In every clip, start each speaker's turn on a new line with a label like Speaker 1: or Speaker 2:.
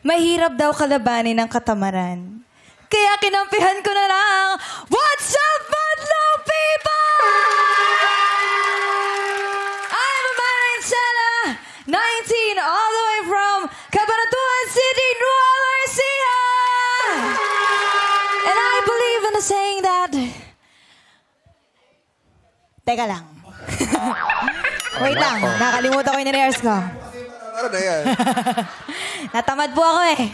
Speaker 1: mahirap daw kalabanin ng katamaran. Kaya kinampihan ko na lang, what's up, Madlaw people? I'm Amara Insela, 19, all the way from Cabanatuan City, Nueva Ecija. And I believe in the saying that... Teka lang. Wait lang, nakalimutan ko yung nirehearse ko.
Speaker 2: Ano na yan?
Speaker 1: Natamad po ako eh.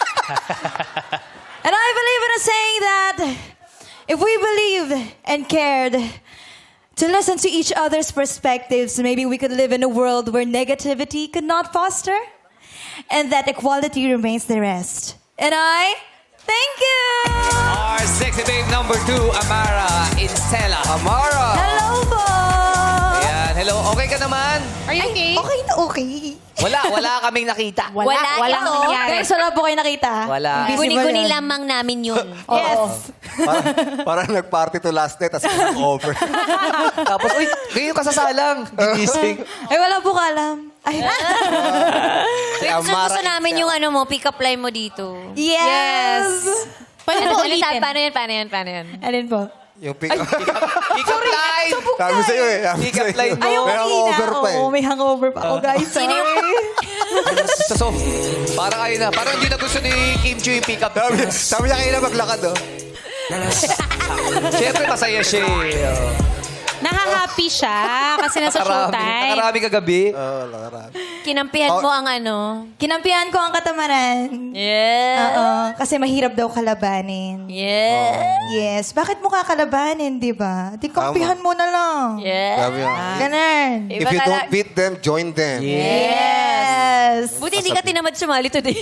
Speaker 1: And I believe in a saying that if we believed and cared to listen to each other's perspectives, maybe we could live in a world where negativity could not foster and that equality remains the rest. And I thank you!
Speaker 3: Our sexy babe number 2, Amara Insela.
Speaker 2: Amara!
Speaker 1: Hello po!
Speaker 3: Ayan, hello. Okay ka naman?
Speaker 4: Are you okay?
Speaker 1: Okay na okay.
Speaker 3: Wala kaming nakita.
Speaker 4: Walang nangyari.
Speaker 1: Guys, wala po kayo nakita.
Speaker 3: Wala.
Speaker 1: Invisible
Speaker 4: Guni-guni
Speaker 1: yun.
Speaker 4: lamang namin yun.
Speaker 1: Yes.
Speaker 2: Parang nag-party to last night, tapos over.
Speaker 3: Tapos, uy, ngayon ka sasalang. Gigising.
Speaker 1: Ay, wala po ka alam. Ay,
Speaker 2: Si Amara
Speaker 4: Gusto namin yung ano mo, pick-up line mo dito.
Speaker 1: yes.
Speaker 4: Paano ulitin? Paano yan?
Speaker 1: Alin po?
Speaker 2: Yung pick-up.
Speaker 3: Pick-up line.
Speaker 2: Sabi sa'yo eh.
Speaker 3: Pick-up line mo.
Speaker 1: Ayaw
Speaker 2: May hangover pa eh.
Speaker 1: Oo, may hangover pa ako, guys. Sorry.
Speaker 3: So, parang ayun na. Parang hindi na gusto ni Kim Chiu yung pick-up.
Speaker 2: Sabi niya kayo na maglakad, oh.
Speaker 3: Siyempre, masaya siya eh.
Speaker 5: Nakahappy siya kasi nasa showtime.
Speaker 3: Nakarami kagabi.
Speaker 2: Oo, lakarap.
Speaker 4: Kinampihan mo ang ano.
Speaker 1: Kinampihan ko ang katamaran.
Speaker 4: Yeah.
Speaker 1: Oo, kasi mahirap daw kalabanin.
Speaker 4: Yeah.
Speaker 1: Yes. Bakit mo kakalabanin, di ba? Di kampihan mo na lang.
Speaker 4: Yeah.
Speaker 2: Sabi niya.
Speaker 1: Ganun.
Speaker 2: If you don't beat them, join them.
Speaker 1: Yes.
Speaker 4: Buti hindi ka tinamad sumali today.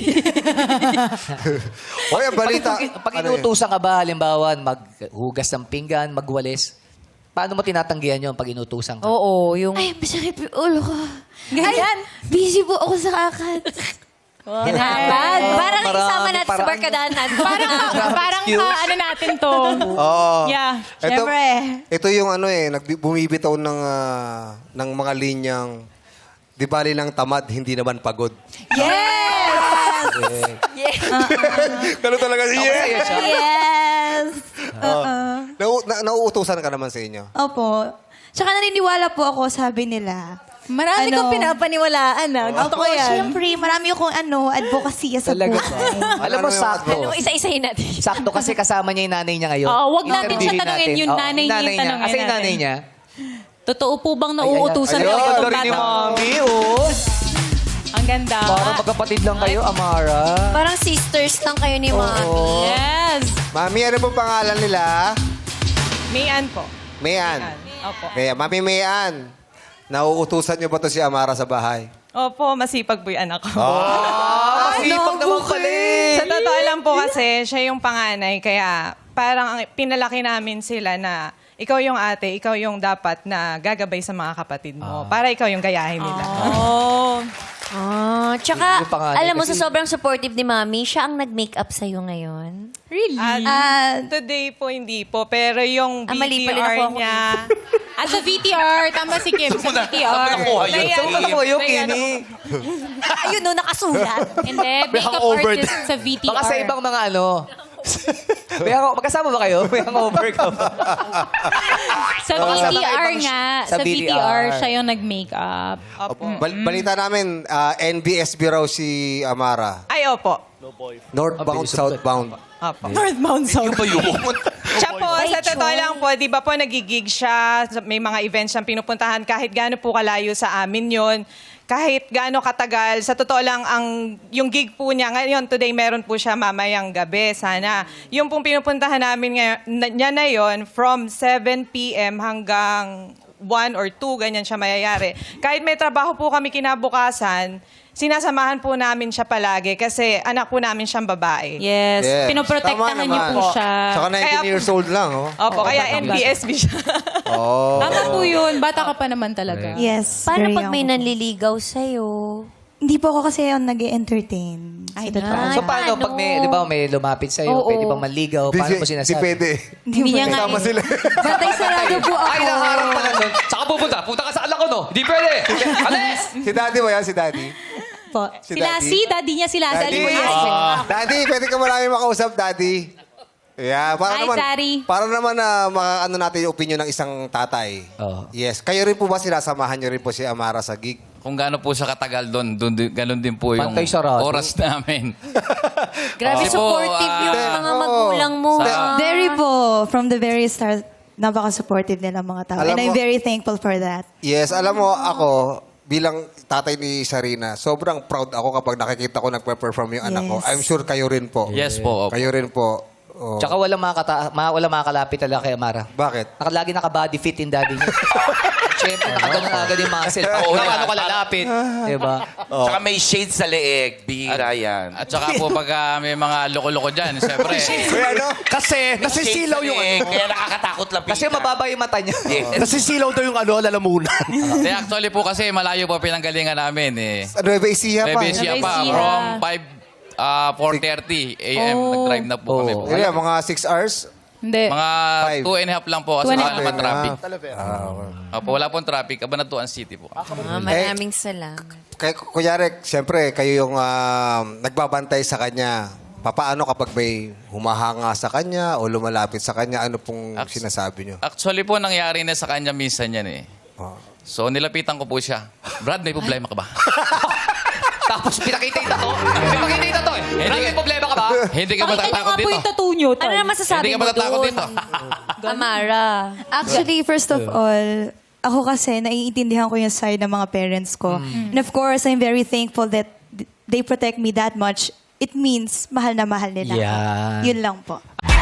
Speaker 2: Oy, ang balita.
Speaker 3: Pag
Speaker 2: Ano yun?
Speaker 3: inutusan ka ba, halimbawa, maghugas ng pinggan, magwalis, paano mo tinatanggihan yun pag inutusan ka?
Speaker 4: Oo, yung...
Speaker 1: Ay, masakit yung ulo ko.
Speaker 5: Ganyan.
Speaker 1: Ay, busy po ako sa kakat.
Speaker 4: Parang
Speaker 3: Marami,
Speaker 4: isama natin sa
Speaker 3: parang-
Speaker 4: barkadahan natin.
Speaker 5: Parang ano natin to.
Speaker 2: Oo.
Speaker 5: Yeah.
Speaker 2: Ito,
Speaker 1: Siyempre.
Speaker 2: ito yung ano eh, bumibitaw ng mga linyang, di bali lang tamad, hindi naman pagod.
Speaker 1: Yes!
Speaker 2: Ganun talaga siya.
Speaker 3: Masaya siya.
Speaker 1: Yes!
Speaker 2: Nauutusan ka naman sa inyo.
Speaker 1: Opo. Tsaka naniniwala po ako, sabi nila.
Speaker 5: Marami kang pinapaniwalaan ah. Gusto ko
Speaker 1: Opo,
Speaker 5: yan.
Speaker 1: siyempre, marami akong advocacy sa
Speaker 3: Talaga
Speaker 1: buhay.
Speaker 3: ba? Alam mo,
Speaker 2: Ano yung
Speaker 3: sakto.
Speaker 4: Ano, isa-isahin natin.
Speaker 3: Sakto kasi kasama niya yung nanay niya ngayon.
Speaker 5: Oo, wag natin siya
Speaker 3: Interviewin
Speaker 5: tanungin,
Speaker 3: natin.
Speaker 5: yung
Speaker 3: Oo,
Speaker 5: nanay niya yung tanungin
Speaker 3: Kasi yung nanay
Speaker 5: natin.
Speaker 3: niya.
Speaker 5: Totoo po bang nauutusan
Speaker 3: Ayun,
Speaker 5: kayo
Speaker 3: ganda
Speaker 5: itong
Speaker 3: rin ni
Speaker 5: bata?
Speaker 3: Mami, oh.
Speaker 5: Ang ganda.
Speaker 3: Parang magkapatid lang kayo, Amara.
Speaker 4: Parang sisters lang kayo ni Mami.
Speaker 5: Yes.
Speaker 2: Mami, ano pong pangalan nila?
Speaker 5: Mayan po.
Speaker 2: Mayan.
Speaker 5: Opo.
Speaker 2: Kaya, Mami Mayan, nauutusan niyo ba to si Amara sa bahay?
Speaker 5: Opo, masipag po yung anak ko.
Speaker 3: Masipag naman pala eh.
Speaker 5: Sa totoo lang po kasi, siya yung panganay. Kaya parang pinalaki namin sila na ikaw yung ate, ikaw yung dapat na gagabay sa mga kapatid mo. Para ikaw yung gayahin nila.
Speaker 3: Oh.
Speaker 4: Tsaka,
Speaker 3: Yung panganay
Speaker 4: alam mo,
Speaker 3: kasi-
Speaker 4: sa sobrang supportive ni Mami, siya ang nag-makeup sa'yo ngayon.
Speaker 5: Really? Today po, hindi po. Pero yung
Speaker 4: mali pala
Speaker 5: VTR
Speaker 4: nakuha ko.
Speaker 5: niya... At sa VTR, tama si Kim, sa VTR.
Speaker 3: Saan mo nakuha yung Kini?
Speaker 4: Ayun, no, nakasulat.
Speaker 5: Hindi, makeup
Speaker 3: hangover
Speaker 5: artist sa VTR.
Speaker 3: Baka sa ibang mga ano. Magkasama ba kayo? May hangover ka ba?
Speaker 5: Sa
Speaker 3: Baka sa mga
Speaker 5: VTR
Speaker 3: ibang-
Speaker 5: nga,
Speaker 3: sa
Speaker 5: sa VTR,
Speaker 3: VTR
Speaker 5: siya yung nag-makeup.
Speaker 2: Balita namin, NBSB raw si Amara.
Speaker 5: Ay, opo.
Speaker 2: Northbound, southbound.
Speaker 5: Opo. Northbound South. Siya po,
Speaker 4: By
Speaker 5: sa totoo
Speaker 4: choice.
Speaker 5: lang po, di ba po nagigig siya, may mga events siyang pinupuntahan, kahit gaano po kalayo sa amin yon, kahit gaano katagal, sa totoo lang, yung gig po niya, ngayon, today, meron po siya mamayang gabi, sana. Yung pong pinupuntahan namin niya na yon, from 7 p.m. hanggang 1 or 2, ganyan siya mayayari. Kahit may trabaho po kami kinabukasan, sinasamahan po namin siya palagi kasi anak po namin siyang babae. Yes.
Speaker 2: Yes.
Speaker 5: Pinoprotektahan
Speaker 2: Tama
Speaker 5: niyo
Speaker 2: naman.
Speaker 5: po siya.
Speaker 2: Saka 19
Speaker 5: Kaya-
Speaker 2: years old lang, oh.
Speaker 5: Opo, kaya NBSB siya.
Speaker 2: Oh.
Speaker 5: Tama po yun. Bata ka pa naman talaga.
Speaker 1: Yes.
Speaker 4: Paano
Speaker 1: very
Speaker 4: pag may
Speaker 1: young.
Speaker 4: nanliligaw sa'yo?
Speaker 1: Hindi po ako kasi yung nag-entertain.
Speaker 5: Ay,
Speaker 1: Sa totoo.
Speaker 4: Ay,
Speaker 3: So paano
Speaker 4: paano?
Speaker 3: pag may, di ba, may lumapit sa'yo,
Speaker 4: Oo.
Speaker 3: pwede bang manligaw? Paano mo sinasabi?
Speaker 2: Di pwede.
Speaker 1: Hindi
Speaker 5: niya nga
Speaker 2: Tama sila.
Speaker 1: Bantay sarado po ako.
Speaker 3: Ay, naharap pala nun. Saka pupunta. Punta ka sa anak ko, no? Hindi pwede. Alis!
Speaker 2: Si Daddy ba yan? Si Daddy?
Speaker 6: po.
Speaker 2: Si
Speaker 6: Sila,
Speaker 2: Daddy?
Speaker 6: si daddy niya, sila.
Speaker 2: Daddy, Daddy, pwede ka marami makausap, Daddy. Yeah, para
Speaker 6: Hi,
Speaker 2: naman,
Speaker 6: Daddy.
Speaker 2: para naman na makaano natin yung opinion ng isang tatay.
Speaker 3: Oo.
Speaker 2: Yes. Kayo rin po ba sinasamahan niyo rin po si Amara sa gig?
Speaker 7: Kung gaano po siya katagal doon, ganun din po yung
Speaker 3: Pantay sarado.
Speaker 7: oras namin.
Speaker 4: Grabe
Speaker 7: Kasi po,
Speaker 4: supportive yung mga
Speaker 2: oo.
Speaker 4: magulang mo.
Speaker 1: Very po, from the very start, napaka-supportive nila mga tao.
Speaker 2: Alam
Speaker 1: And I'm
Speaker 2: mo-
Speaker 1: very thankful for that.
Speaker 2: Yes, alam mo, ako, bilang tatay ni Sarina, sobrang proud ako kapag nakikita ko nagpe-perform yung anak ko.
Speaker 1: Yes.
Speaker 2: I'm sure kayo rin po.
Speaker 7: Yes po. opo.
Speaker 2: Kayo rin po. Oh.
Speaker 3: Tsaka walang makakalapit talaga kay Amara.
Speaker 2: Bakit?
Speaker 3: Lagi naka-body fit in daddy niya. Siyempre, nakaganon agad yung muscle.
Speaker 8: Oo,
Speaker 3: Oo,
Speaker 8: yan.
Speaker 3: ano kalalapit. Diba?
Speaker 8: Tsaka may shades sa leeg. Bihira yan.
Speaker 7: At saka po pagka may mga loko-loko dyan, siyempre.
Speaker 2: Kuya, ano?
Speaker 9: Kasi nasisilaw yung ano.
Speaker 8: Kaya nakakatakot lang.
Speaker 3: Kasi mababa yung mata niya.
Speaker 9: Nasisilaw daw yung ano, lalamunan.
Speaker 7: Actually po kasi malayo po pinanggalingan namin eh.
Speaker 2: Nueva Ecija pa.
Speaker 7: Nueva Ecija pa. From 4:30 a.m. Nag-drive na po kami po.
Speaker 2: Kaya mga 6 hours?
Speaker 6: Hindi.
Speaker 7: Mga 2.5 lang po kasi wala naman traffic.
Speaker 2: Ah,
Speaker 7: Opo, wala pong traffic. Cabanatuan City po.
Speaker 4: Maraming salamat.
Speaker 2: kunyari, siyempre, kayo yung nagbabantay sa kanya. Papaano kapag may humahanga sa kanya o lumalapit sa kanya, ano pong sinasabi nyo?
Speaker 7: Actually po, nangyari na sa kanya minsan yan eh.
Speaker 2: Oh.
Speaker 7: So, nilapitan ko po siya. Brad, may problema ka ba?
Speaker 3: Tapos pinakita yung tato. Pinakita yung tato eh. May problema ka ba?
Speaker 7: Hindi ka
Speaker 6: Pakita niyo
Speaker 7: matatakot
Speaker 6: nga po
Speaker 7: dito.
Speaker 6: yung tattoo niyo,
Speaker 4: Ano na masasabi
Speaker 7: Hindi ka
Speaker 4: mo
Speaker 7: matatakot
Speaker 4: doon?
Speaker 7: dito.
Speaker 4: Amara.
Speaker 1: Actually, first of all, ako kasi naiintindihan ko yung side ng mga parents ko. And of course, I'm very thankful that they protect me that much. It means mahal na mahal nila. ako.
Speaker 3: Yan.
Speaker 1: Yun lang po.